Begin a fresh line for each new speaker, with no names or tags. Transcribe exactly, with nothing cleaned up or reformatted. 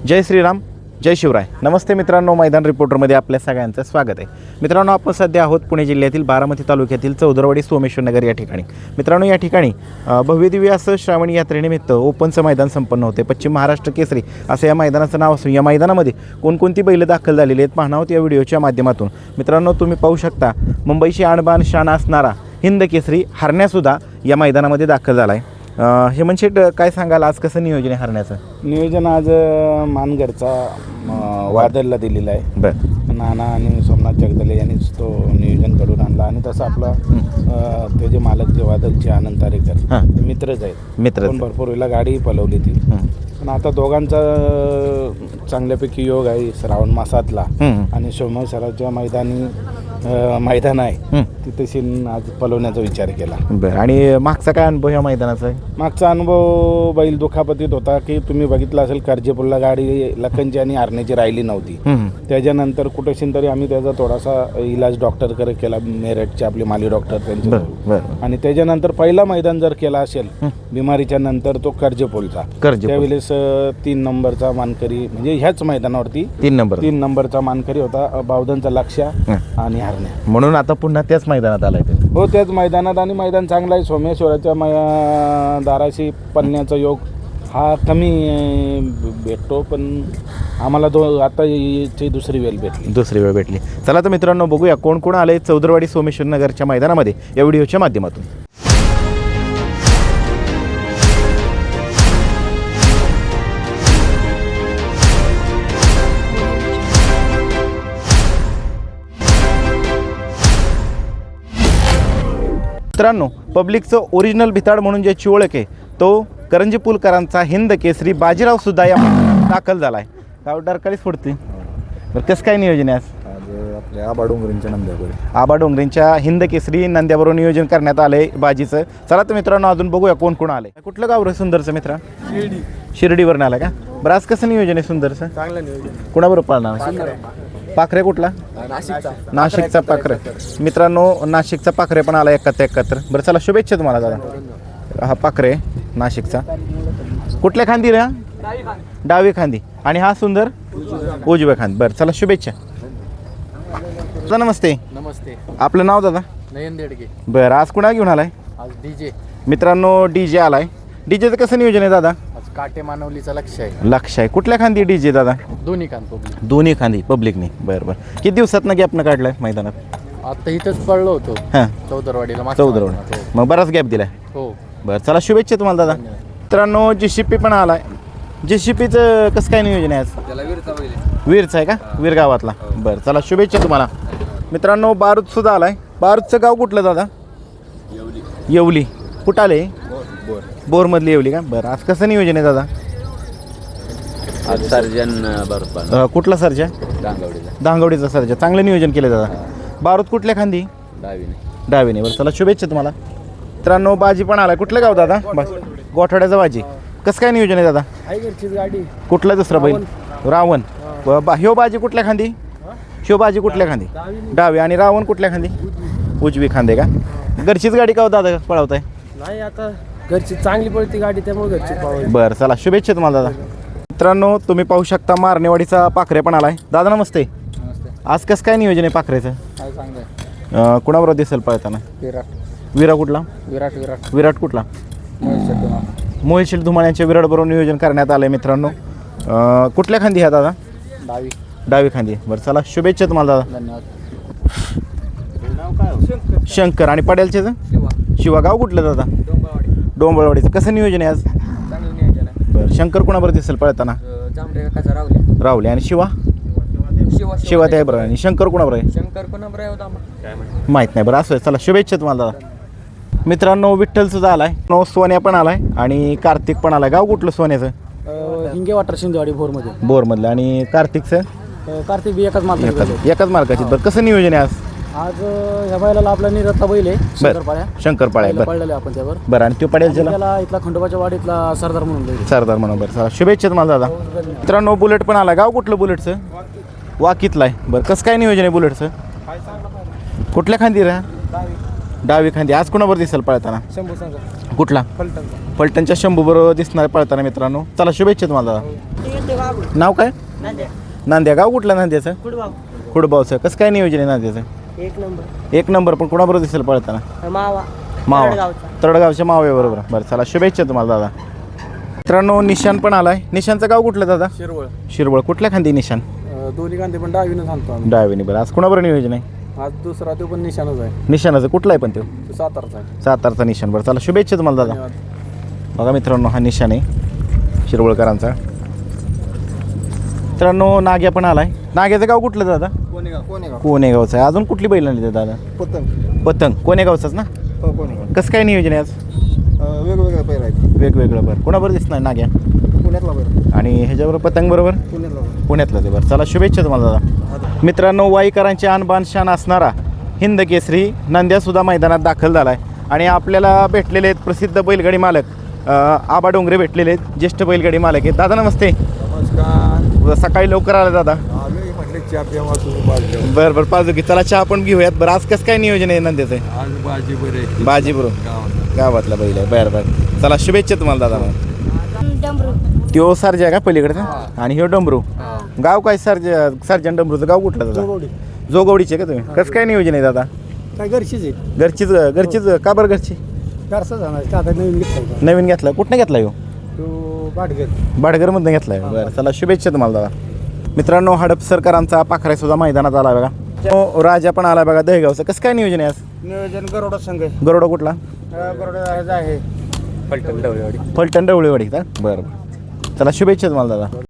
जय श्रीराम, जय शिवराय. नमस्ते मित्रांनो, मैदान रिपोर्टरमध्ये आपल्या सगळ्यांचं स्वागत आहे. मित्रांनो, आपण सध्या आहोत पुणे जिल्ह्यातील बारामती तालुक्यातील चौदरवाडी सोमेश्वर नगर या ठिकाणी. मित्रांनो, या ठिकाणी भव्यदिव्य असं श्रावणी यात्रेनिमित्त ओपनचं मैदान संपन्न होते. पश्चिम महाराष्ट्र केसरी असं या मैदानाचं नाव असून या मैदानामध्ये कोणकोणती बैलं दाखल झालेली आहेत पाहणार आहोत या व्हिडिओच्या माध्यमातून. मित्रांनो, तुम्ही पाहू शकता मुंबईची आणबाण शान असणारा हिंद केसरी हरण्यासुद्धा या मैदानामध्ये दाखल झाला आहे. हेमंत शेठ, काय सांगाल, आज कसं नियोजन आहे हरण्याचं?
नियोजन आज मानगडचा वादलला दिलेला आहे.
बरं.
नाना आणि सोमनाथ जगदले यांनीच तो नियोजन घडून आणला आणि तसं आपला ते जे मालक जे वादलचे आनंद तारेकर मित्रच आहेत.
मित्र
पण भरपूर वेळेला गाडी पलवली ती. पण आता दोघांचा चांगल्यापैकी योग आहे श्रावण मासातला आणि सोमेश्वराच्या मैदानी मैदान आहे तिथे आज पलवण्याचा विचार केला.
बरं. आणि मागचा काय अनुभव या मैदानाचा आहे?
मागचा अनुभव बैल दुखापतीत होता की तुम्ही बघितलं असेल कर्जेपूरला गाडी लखनची आणि आरण्याची राहिली नव्हती. त्याच्यानंतर कुठेशीन तरी आम्ही त्याचा थोडासा इलाज डॉक्टरकडे केला, मेरठचे आपले माली डॉक्टर त्यांचे. आणि त्याच्यानंतर पहिला मैदान जर केला असेल बिमारीच्या नंतर तो कर्जेपूरचा, त्यावेळेस तीन नंबरचा मानकरी म्हणजे ह्याच मैदानावरती
तीन नंबर तीन
नंबरचा मानकरी होता बावधनचा लक्ष आणि हरण्या.
म्हणून आता पुन्हा त्याच मैदानात आलाय ते.
हो, त्याच मैदानात. आणि मैदान चांगलं आहे. सोमेश्वराच्या मै दाराशी पन्नाचा योग हा कमी भेटतो, पण आम्हाला दो आता याची दुसरी वेळ भेटली
दुसरी वेळ भेटली चला तर मित्रांनो, बघूया कोण कोण आले चौदरवाडी सोमेश्वर नगरच्या मैदानामध्ये या व्हिडिओच्या माध्यमातून. मित्रांनो, पब्लिकचं ओरिजिनल भिताड म्हणून ज्याची ओळख आहे तो करंजी पुलकरांचा हिंद केसरी बाजीराव सुद्धा या दाखल झाला आहे. गाव डरकाळीच फोडते. बरं, कसं काय नियोजन आहे आज?
आज आपल्या आबा डोंगरींच्या नंद्याबरोबर
आबा डोंगरींच्या हिंद केसरी नंद्याबरोबर नियोजन करण्यात आलं आहे बाजीचं. चला तर मित्रांनो, अजून बघूया कोण कोण आले. कुठलं गाव रे सुंदरचं मित्रा?
शिर्डी.
शिर्डीवरून आला का? बरं, आज कसं नियोजन आहे सुंदरचं?
चांगलं नियोजन.
कुणाबरोबर पाळणार? पाखरे कुठला?
नाशिकचा
नाशिकचा पाखरे. मित्रांनो, नाशिकचा पाखरे पण आला एकाहत्तर एकाहत्तर. बरं, चला शुभेच्छा तुम्हाला दादा. हा पाखरे नाशिकचा. कुठल्या खांदी रे? डावी खांदी. आणि हा सुंदर उजव्या खांदी. बरं, चला शुभेच्छा. नमस्ते.
नमस्ते.
आपलं नाव दादा?
नयन देडगे.
बरं, आज कुणा घेऊन आलाय?
आज डीजे.
मित्रांनो, डीजे आलाय. डीजेचं कसं नियोजन आहे दादा?
आज काटे मानवलीचा लक्ष आहे.
लक्ष आहे. कुठल्या खांदी डीजे दादा?
दोन्ही कान पब्लिक.
दोन्ही खांदी पब्लिकने. बरं बरं. किती दिवसात ना गॅपनं काढलाय मैदानात?
आता इथंच पडलो होतो
हां,
चौदरवाडीला.
चौदरवाडी. मग बराच गॅप दिलाय.
हो.
बरं, चला शुभेच्छा तुम्हाला दादा. मित्रांनो, जी सी पी पण आलाय. जी सी पीचं कसं काय नियोजन आहे आज?
त्याला वीरचा बैल.
वीरचं आहे का? वीर गावातला. बरं, चला शुभेच्छा तुम्हाला. मित्रांनो, बारूद सुद्धा आलाय. बारूदचं गाव कुठलं दादा?
येवली.
येवली. कुठं आले?
बोर.
बोरमधली येवली का? बरं, आज कसं नियोजन आहे दादा?
आज सर्जन बरोबर.
अं, कुठला सर्जा?
डांगवडीचा.
धांगवडीचा सर्जा. चांगलं नियोजन केलं दादा. बारूद कुठल्या खांदी?
डावीने.
डावीने. बरं, चला शुभेच्छा तुम्हाला. मित्रांनो, बाजी पण आलाय. कुठलं गाव दादा? बस गोठवाड्याचा बाजी. कसं काय नियोजन आहे दादा?
गाडी.
कुठला दुसरा बैल? रावण. बा ह्यो बाजी कुठल्या खांदी? ह्यो बाजी कुठल्या खांदी? डावी. आणि रावण कुठल्या खांदी? उजवी खांदे का? घरचीच गाडी का दादा पळवताय?
नाही, आता घरची चांगली पडती गाडी त्यामुळे घरची पळवायची.
बरं, चला शुभेच्छा तुम्हाला दादा. मित्रांनो, तुम्ही पाहू शकता मारणेवाडीचा पाखरे पण आलाय. दादा नमस्ते.
नमस्ते.
आज कसं काय नियोजन आहे पाखरेचं?
काय चांगलं.
कुणाबरोबर दिसेल पळताना?
विराट.
विरा कुठला?
विराट. विराट.
विराट कुठला? मोहित शेठ धुमाळ्यांच्या विराटबरोबर नियोजन करण्यात आलं आहे. मित्रांनो, कुठल्या खांदी ह्या दादा?
डावी.
डावी खांदी. बरं, चला शुभेच्छा तुम्हाला दादा.
धन्यवाद.
शंकर. आणि पडेलचे शिवा. गाव कुठलं दादा?
डोंबळवाडी.
डोंबळवाडीचं. कसं नियोजन आहे आज?
चांगलं नियोजन आहे.
बरं, शंकर कुणाबरोबर दिसेल पळताना?
जांभरे काका रावले.
रावले. आणि शिवा?
शिवा.
शिवा त्या बरोबर. आणि शंकर कुणाबरोबर आहे?
शंकर कोणाबरोबर आहे होता
माहीत नाही. बरं, असं आहे. चला शुभेच्छा तुम्हाला दादा. मित्रांनो, विठ्ठल सुद्धा आलाय. नो सोन्या पण आलाय आणि कार्तिक पण आलाय. गाव कुठलं सोन्याचं?
हिंगे वाटर शिंदेवाडी भोरमध्ये.
बोरमधलं. आणि कार्तिकचं?
कार्तिक बी एकाच मार्ग.
एकाच एकाच मार्काची. बरं, कसं नियोजन आहे आज?
आज ह्या बैलाला आपला निरत्ता बैल आहे शंकरपाळ्या.
शंकरपाळ्या. बरं
पळलेले आपण त्यावर.
बरं. आणि तो पडेल
त्याला इथला खंडोबाच्या वाडीतला सरदार म्हणून बैल.
सरदार म्हणून. बरं, चला शुभेच्छा तुम्हाला दादा. मित्रांनो, बुलेट पण आला. गाव कुठलं बुलेटचं? वाकीतलं आहे. बरं, कसं काय नियोजन आहे बुलेटचं? कुठल्या खांदी रा? डावी खांदी आज कोणाबरोबर दिसेल पळताना
शंभू संघ
कुठला
फलटणचा
फलटणच्या शंभू बरोबर दिसणार पळताना मित्रांनो. चला शुभेच्छा तुम्हाला दादा. नाव काय नांद्या गाव कुठलं नांद्याचं खुडबावचं कसं काय नियोजन आहे नांद्याचं
एक नंबर
एक नंबर पण कोणाबरोबर दिसेल पळताना
मावा
मावा तळगावच्या माव्याबरोबर बरं चला शुभेच्छा तुम्हाला दादा. मित्रांनो निशान पण आलाय. निशानचं गाव कुठलं दादा
शिरवळ
शिरवळ कुठल्या खांदी निशान
दोन्ही कांदे पण डावीनं सांगतो आम्ही
डावीने बरं आज कोणाबरोबर नियोजन आहे
आज दुसरा तो पण निशाणच आहे
निशाणाचं कुठला आहे पण तो
तो सातारचा आहे
सातारचा निशाण बरं चला शुभेच्छा तुम्हाला दादा. बघा मित्रांनो हा निशाण आहे शिरवळकरांचा. मित्रांनो नाग्या पण आलाय. नाग्याचं गाव कुठलं दादा
कोणेगाव कोणेगाव
कोणेगावचं आहे. अजून कुठली बैल आणली दादा
पतंग
पतंग कोणेगावचाच ना
हो कोणेगाव
कसं काय नियोजन आहे आज
वेगवेगळ्या पैर आहेत
वेगवेगळं बरं कोणाबरोबर दिसणार नाग्या
पुण्यातला पैर
आणि ह्याच्याबरोबर पतंग बरोबर
पुण्यातला
पुण्यातलं ते बरं चला शुभेच्छा तुम्हाला दादा. मित्रांनो वाईकरांचे आणबान शान असणारा हिंद केसरी नंद्यासुद्धा मैदानात दाखल झाला आहे आणि आपल्याला भेटलेले आहेत प्रसिद्ध बैलगाडी मालक अ, आबा डोंगरे भेटलेले आहेत ज्येष्ठ बैलगाडी मालक आहेत. दादा नमस्ते.
नमस्कार
सकाळी लवकर आला दादा
आम्ही म्हटले चहा पिवा तुम्ही
बरं बरं पाजू की चला चहा पण घेऊयात. बरं आज कसं काय नियोजन आहे नंद्याचं
आज भाजी बरे
बाजी बरोबर गावातला बैल आहे बरं बरं चला शुभेच्छा तुम्हाला दादा. त्यो सरजा आहे का पलीकडचा आणि ह्यो डंबरू गाव काय सरजा सर्जन डंबरूचं गाव कुठलं दादा जोगवडीचे का तुम्ही कसं काय नियोजन आहे दादा
काय घरचीच आहे
घरचीच घरचीच का बरं घरची
घरचा जाणार आता नवीन घेतला
नवीन घेतला कुठनं घेतला ह्यो
तो बाटगर
बाडगरमधनं घेतलाय बरं चला शुभेच्छा तुम्हाला दादा. मित्रांनो हडपसरकरांचा पाखरा सुद्धा मैदानात आला बघा. तो राजा पण आला बघा दहेगावचं कसं काय नियोजन आहे आज
नियोजन गरोडा संघ
गरोडा कुठला
गरोडा आहे फलटण डवळेवाडी
फलटण डवळेवाडी का बरं बरं चला शुभेच्छा तुम्हाला दादा.